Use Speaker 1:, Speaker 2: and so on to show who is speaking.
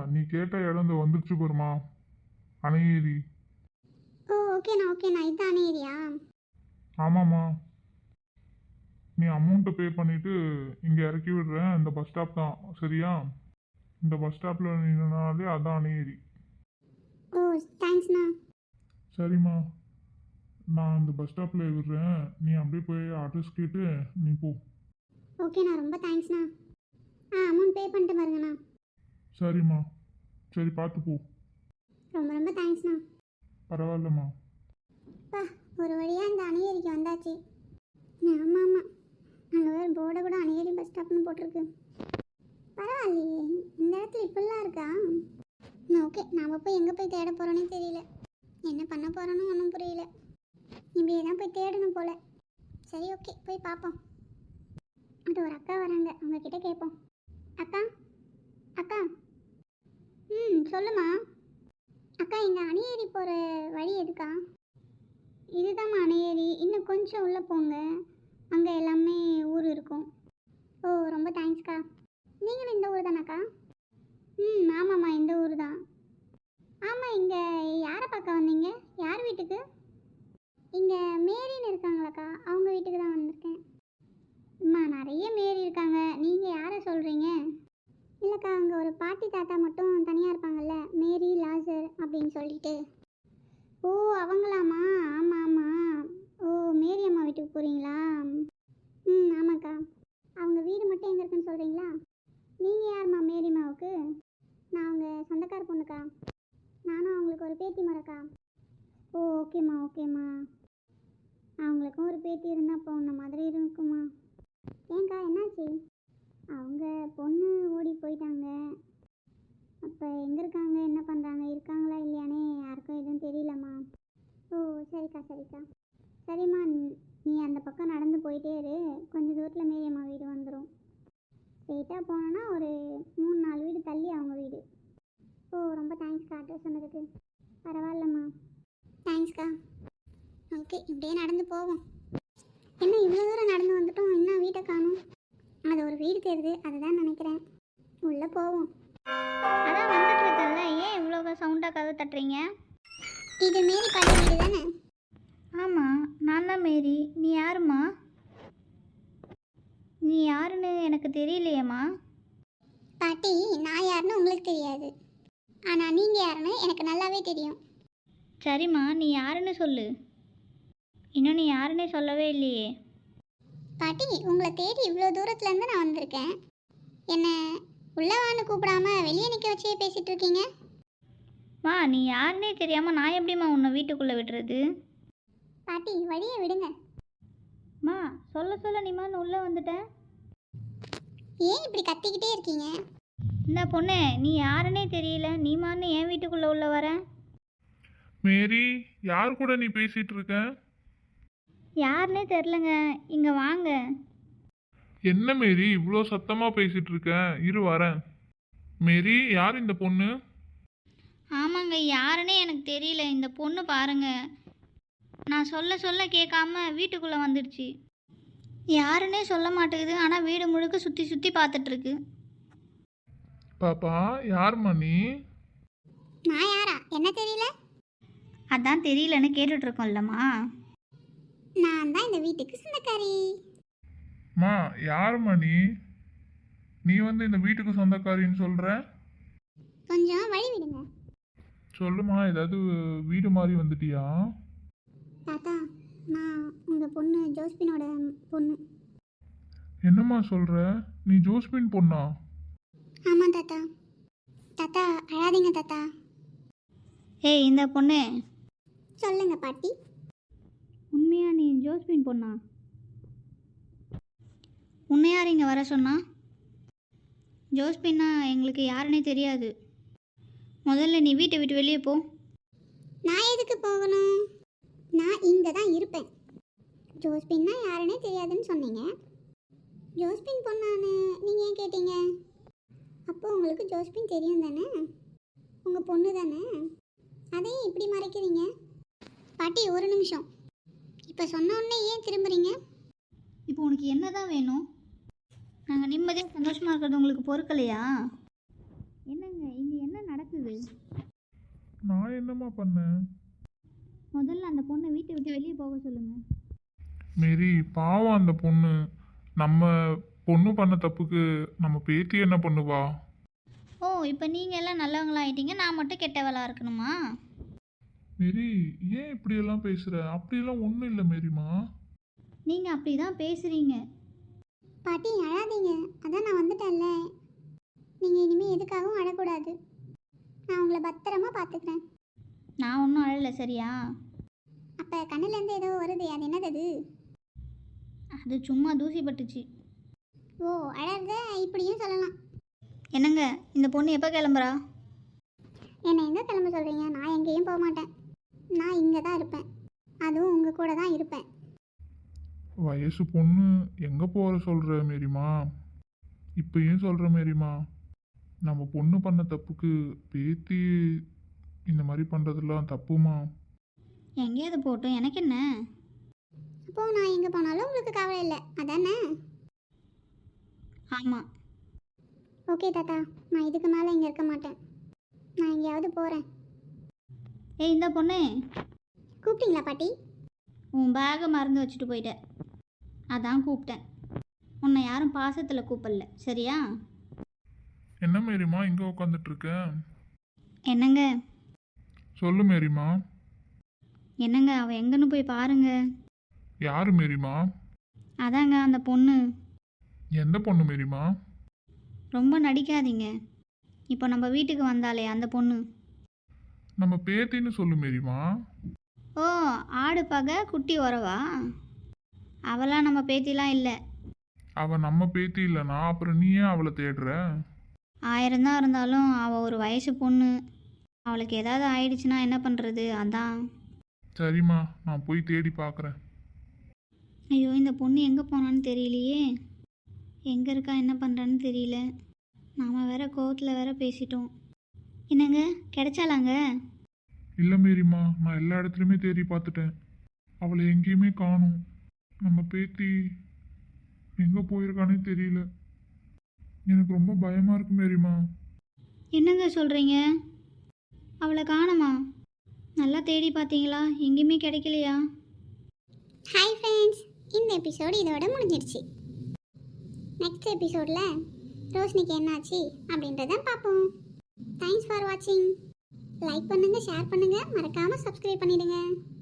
Speaker 1: நீ கேட்ட இடம் வந்துருச்சு பாருமா, அணையேரி.
Speaker 2: ஓ ஓகேண்ணா ஓகேண்ணா, இதுதான் அணையேரியா?
Speaker 1: ஆமாம்மா, நீ அமௌண்ட்டை பே பண்ணிவிட்டு இங்கே இறக்கி விடுறேன். இந்த பஸ் ஸ்டாப் தான், சரியா? இந்த பஸ் ஸ்டாப்பில் நின்னாலே அதான் அணையேரி.
Speaker 2: ஓ தேங்க்ஸ்ண்ணா.
Speaker 1: சரிம்மா, நான் இந்த பஸ் ஸ்டாப்பில் விடுறேன். நீ அப்படியே போய் அட்ரஸ் கேட்டு நீ போ.
Speaker 2: ஓகேண்ணா, ரொம்ப தேங்க்ஸ்ண்ணா. அமௌண்ட் பே பண்ணிட்டு பாருங்கண்ணா.
Speaker 1: சரிம்மா, சரி பார்த்து போ.
Speaker 2: ரொம்ப ரொம்ப தேங்க்ஸ்ண்ணா.
Speaker 1: பரவாயில்லம்மா.
Speaker 2: அப்பா, ஒரு வழியாக இந்த அணையேரிக்கு வந்தாச்சு. ஆமாம் ஆமாம், அங்கே வேறு போர்டை கூட அணையேரி பஸ் ஸ்டாப்னு போட்டிருக்கு. பரவாயில்லையே, இந்த இடத்துல இப்படிலாம் இருக்கா? ஓகே, நாம் போய் எங்கே போய் தேட போகிறோன்னே தெரியல. என்ன பண்ண போகிறோன்னு ஒன்றும் புரியல. இப்படியே தான் போய் தேடணும் போல். சரி ஓகே, போய் பார்ப்போம். அது ஒரு அக்கா வராங்க, அவங்கக்கிட்ட கேட்போம். அக்கா அக்கா. சொல்லுமா. அக்கா, இங்கே அணையேரி போகிற வழி எதுக்கா? இதுதாம்மா அணையேரி, இன்னும் கொஞ்சம் உள்ளே போங்க, அங்கே எல்லாமே ஊர் இருக்கும். ஓ ரொம்ப தேங்க்ஸ்க்கா. நீங்களும் இந்த ஊர் தானாக்கா? ஆமாம்மா, இந்த ஊர் தான். ஆமாம், இங்கே யாரை பார்க்க வந்தீங்க? யார் வீட்டுக்கு? இங்கே மேரின்னு இருக்காங்களாக்கா, அவங்க வீட்டுக்கு தான் வந்திருக்கேன். அம்மா, நிறைய மேரி இருக்காங்க, நீங்கள் யாரை சொல்கிறீங்க? இல்லைக்கா, அங்கே ஒரு பாட்டி தாத்தா மட்டும் தனியாக இருப்பாங்கல்ல, மேரி லாசர் அப்படின்னு சொல்லிட்டு. ஓ அவங்களாம்மா, ஆமாம் ஆமாம். ஓ மேரி அம்மா வீட்டுக்கு போகிறீங்களா? ஆமாக்கா. அவங்க வீடு மட்டும் எங்கே இருக்குன்னு சொல்கிறீங்களா? நீங்கள் யாரும்மா மேரி அம்மாவுக்கு? நான் அவங்க சொந்தக்கார பொண்ணுக்கா. நானும் அவங்களுக்கு ஒரு பேத்தி மரக்கா. ஓ ஓகேம்மா ஓகேம்மா. அவங்களுக்கும் ஒரு பேத்தி இருந்தால் அப்போ உன்ன மாதிரி இருக்குமா. ஏங்க்கா, என்னாச்சு? அவங்க பொண்ணு ஓடி போயிட்டாங்க. அப்போ எங்கே இருக்காங்க, என்ன பண்ணுறாங்க, இருக்காங்களா இல்லையானே யாருக்கும் எதுவும் தெரியலம்மா. ஓ சரிக்கா சரிக்கா. சரிம்மா, நீ அந்த பக்கம் நடந்து போயிட்டே இரு, கொஞ்சம் தூரத்தில் மேரியம்மா வீடு வந்துடும். ஸ்ட்ரெயிட்டாக போனோன்னா ஒரு 3-4 வீடு தள்ளி அவங்க வீடு. ஓ ரொம்ப தேங்க்ஸ்க்கா அட்ரஸ் சொன்னதுக்கு. பரவாயில்லம்மா, தேங்க்ஸ்க்கா. ஓகே, இப்படியே நடந்து போவோம். என்ன இவ்வளோ தூரம் நடந்து வந்துட்டோம், இன்னும் வீட்டை காணும். அது ஒரு வீடு தெரியுது, அதுதான் நினைக்கிறேன். உள்ளே போவோம்.
Speaker 3: அதான் வந்துட்டு இருக்கேன்ல, ஏன் இவ்வளோ சவுண்டாக கதவு தட்டுறீங்க?
Speaker 2: இது மேரி பாட்டி வீடு தானே?
Speaker 3: ஆமாம், நான் தான் மேரி. நீ யாரும்மா? நீ யாருன்னு எனக்கு தெரியலையேம்மா.
Speaker 2: பாட்டி, நான் யாருன்னு உங்களுக்கு தெரியாது, ஆனால் நீங்கள் யாருன்னு எனக்கு நல்லாவே தெரியும்.
Speaker 3: சரிம்மா, நீ யாருன்னு சொல்லு. இன்னும் நீ யாருன்னே சொல்லவே இல்லையே.
Speaker 2: பாட்டி, உங்களை தேடி இவ்வளோ தூரத்துலேருந்து நான் வந்திருக்கேன். என்ன உள்ளவான்னு கூப்பிடாம வெளியே நிற்க வச்சே பேசிகிட்டு இருக்கீங்க.
Speaker 3: மா, நீ யாருன்னே தெரியாமல் நான் எப்படிம்மா உன்னை வீட்டுக்குள்ளே விடுறது?
Speaker 2: பாட்டி, வழியை விடுங்க.
Speaker 3: மா, சொல்ல சொல்ல நீமா உள்ளே வந்துட்டேன்.
Speaker 2: ஏன் இப்படி கத்திக்கிட்டே இருக்கீங்க?
Speaker 3: இந்த பொண்ணு, நீ யாருன்னே தெரியல, நீமான்னு என் வீட்டுக்குள்ளே உள்ள வர?
Speaker 1: மேரி, யார் கூட நீ பேசிட்டு இருக்க?
Speaker 3: யாருன்னே தெரிலங்க, இங்கே வாங்க.
Speaker 1: என்ன மேரி இவ்வளோ சத்தமாக பேசிட்டு இருக்க? இரு வரேன். மேரி, யார் இந்த பொண்ணு?
Speaker 3: ஆமாங்க, யாருன்னே எனக்கு தெரியல. இந்த பொண்ணு பாருங்க, நான் சொல்ல சொல்ல கேட்காம வீட்டுக்குள்ளே வந்துடுச்சு. யாருன்னே சொல்ல மாட்டேங்குது, ஆனால் வீடு முழுக்க சுற்றி சுற்றி பார்த்துட்ருக்கு.
Speaker 1: பாப்பா, யாரும்மா நீ?
Speaker 2: நான் யாரா, என்ன தெரியல?
Speaker 3: அதான் தெரியலன்னு கேட்டுட்ருக்கோம்லம்மா.
Speaker 2: நான் தான் இந்த வீட்டுக்கு சொந்தக்காரி.
Speaker 1: மா, யாரும்மா நீ? நீ வந்து இந்த வீட்டுக்கு சொந்தக்காரின்னு சொல்கிற?
Speaker 2: கொஞ்சம் வழி விடுங்க.
Speaker 1: சொல்லுமா, ஏதாவது வீடு மாதிரி வந்துட்டியா?
Speaker 2: தாத்தா, நான் உங்கள் பொண்ணு ஜோஸ்பினோட பொண்ணு.
Speaker 1: என்னம்மா சொல்கிற? நீ ஜோஸ்பின் பொண்ணா?
Speaker 2: ஆமாம் தாத்தா. தாத்தா அழாதீங்க தாத்தா.
Speaker 3: ஏய், இந்த பொண்ணு,
Speaker 2: சொல்லுங்க பாட்டி.
Speaker 3: உண்மையா நீ ஜோஸ்பின் பொண்ணா? உன்னை யார் இங்கே வர சொன்னா? ஜோஸ்பின்னா எங்களுக்கு யாருன்னே தெரியாது. முதல்ல நீ வீட்டை விட்டு வெளியே போ.
Speaker 2: நான் எதுக்கு போகணும்? நான் இங்கே தான் இருப்பேன். ஜோஸ்பின்னா யாருன்னே தெரியாதுன்னு சொன்னீங்க. ஜோஸ்பின் பொண்ணான்னு நீங்கள் ஏன் கேட்டீங்க? அப்போ உங்களுக்கு ஜோஸ்பின் தெரியும் தானே? உங்கள் பொண்ணு தானே? அதையும் இப்படி மறைக்கிறீங்க? பாட்டி, ஒரு நிமிஷம். இப்போ சொன்ன உடனே ஏன் திரும்புறீங்க?
Speaker 3: இப்போ உனக்கு என்ன தான் வேணும்? நாங்கள் நிம்மதியாக சந்தோஷமாக இருக்கிறது உங்களுக்கு பொறுக்கலையா? என்னங்க, இங்கே என்ன அது?
Speaker 1: நான் என்னம்மா பண்ணேன்?
Speaker 3: முதல்ல அந்த பொண்ணை வீட்டை விட்டு வெளியே போக சொல்லுங்கள்.
Speaker 1: மேரி, பாவம் அந்த பொண்ணு. நம்ம பொண்ணு பண்ண தப்புக்கு நம்ம பேத்தி என்ன பண்ணுவா?
Speaker 3: ஓ, இப்போ நீங்கள் எல்லாம் நல்லவங்களா ஆயிட்டீங்க, நான் மட்டும் கெட்டவளா இருக்கணுமா?
Speaker 1: மேரி, ஏன் இப்படியெல்லாம் பேசுற? அப்படியெல்லாம் ஒன்றும் இல்லை மேரிமா.
Speaker 3: நீங்கள் அப்படி தான் பேசுகிறீங்க.
Speaker 2: பாட்டி அழாதீங்க, அதான் நான் வந்துட்டேன்ல. நீங்கள் இனிமேல் எதுக்காகவும் அழக்கூடாது. நான் உங்களை பத்திரமா பார்த்துக்கிறேன்.
Speaker 3: நான் ஒன்றும் அழலை, சரியா?
Speaker 2: அப்போ கண்ணுலேருந்து ஏதோ வருது, அது என்னது அது?
Speaker 3: அது சும்மா தூசி பட்டுச்சு.
Speaker 2: ஓ, அழறத இப்படியும் சொல்லலாம்.
Speaker 3: என்னங்க, இந்த பொண்ணு எப்போ கிளம்புறா?
Speaker 2: என்னை எங்கே கிளம்ப சொல்கிறீங்க? நான் எங்கேயும் போக மாட்டேன். நான் இங்கே தான் இருப்பேன், அதுவும் உங்கள் கூட தான் இருப்பேன்.
Speaker 1: வயசு பொண்ணு எங்கே போகிற சொல்கிற மேரிமா? இப்பயும் சொல்கிற மேரிமா, நம்ம பொண்ணு பண்ண தப்புக்கு பேத்தி இந்த மாதிரி பண்ணுறதெல்லாம் தப்புமா.
Speaker 3: எங்கேயாவது போட்டும், எனக்கு என்ன?
Speaker 2: அப்போது நான் எங்கே போனாலும் உங்களுக்கு கவலை இல்லை, அதானே?
Speaker 3: ஆமாம்.
Speaker 2: ஓகே தாத்தா, நான் இதுக்கு மேலே இங்கே இருக்க மாட்டேன். நான் எங்கேயாவது போகிறேன்.
Speaker 3: ஏய், இந்த பொண்ணு,
Speaker 2: கூப்பிட்டீங்களா பாட்டி?
Speaker 3: உன் பேகை மறந்து வச்சுட்டு போயிட்ட, அதான் கூப்பிட்டேன். உன்னை யாரும் பாசத்தில் கூப்பிடல, சரியா?
Speaker 1: என்ன மேரிமா இங்கே உட்காந்துட்டு இருக்க?
Speaker 3: என்னங்க?
Speaker 1: சொல்லு மேரிமா.
Speaker 3: என்னங்க, அவள் எங்கன்னு போய் பாருங்க.
Speaker 1: யாரு மேரிமா?
Speaker 3: அதாங்க அந்த பொண்ணு.
Speaker 1: எந்த பொண்ணு மேரிமா?
Speaker 3: ரொம்ப நடிக்காதீங்க. இப்போ நம்ம வீட்டுக்கு வந்தாலே அந்த பொண்ணு.
Speaker 1: நம்ம பேத்தின்னு சொல்லு மேரிமா.
Speaker 3: ஓ, ஆடு பகை குட்டி உறவா? அவளாம் நம்ம பேத்திலாம் இல்லை.
Speaker 1: அவ நம்ம பேத்தி இல்லைனா அப்புறம் நீ ஏன் அவளை தேடுற?
Speaker 3: 1000 தான் இருந்தாலும் அவள் ஒரு வயசு பொண்ணு. அவளுக்கு ஏதாவது ஆயிடுச்சுன்னா என்ன பண்ணுறது, அதான்.
Speaker 1: சரிம்மா, நான் போய் தேடி பார்க்குறேன்.
Speaker 3: ஐயோ, இந்த பொண்ணு எங்கே போனான்னு தெரியலையே. எங்கே இருக்கா, என்ன பண்ணுறான்னு தெரியல. நாம் வேற கோவத்தில் வேற பேசிட்டோம். என்னங்க, கிடைச்சாலாங்க?
Speaker 1: இல்லை மேரிமா, நான் எல்லா இடத்துலையுமே தேடி பார்த்துட்டேன். அவளை எங்கேயுமே காணும். நம்ம பேத்தி எங்கே போயிருக்கானே தெரியல. எனக்கு ரொம்ப பயமாக இருக்கு மேரிமா.
Speaker 3: என்னங்க சொல்கிறீங்க? அவளை காணுமா? நல்லா தேடி பார்த்தீங்களா? எங்கேயுமே கிடைக்கலையா?
Speaker 2: ஹாய் ஃப்ரெண்ட்ஸ், இந்த எபிசோடு இதோட முடிஞ்சிருச்சு. நெக்ஸ்ட் எபிசோடில் ரோஷினிக்கு என்னாச்சு அப்படின்றத பார்ப்போம். தேங்க்ஸ் ஃபார் வாட்சிங். லைக் பண்ணுங்கள், ஷேர் பண்ணுங்கள், மறக்காமல் சப்ஸ்கிரைப் பண்ணிடுங்க.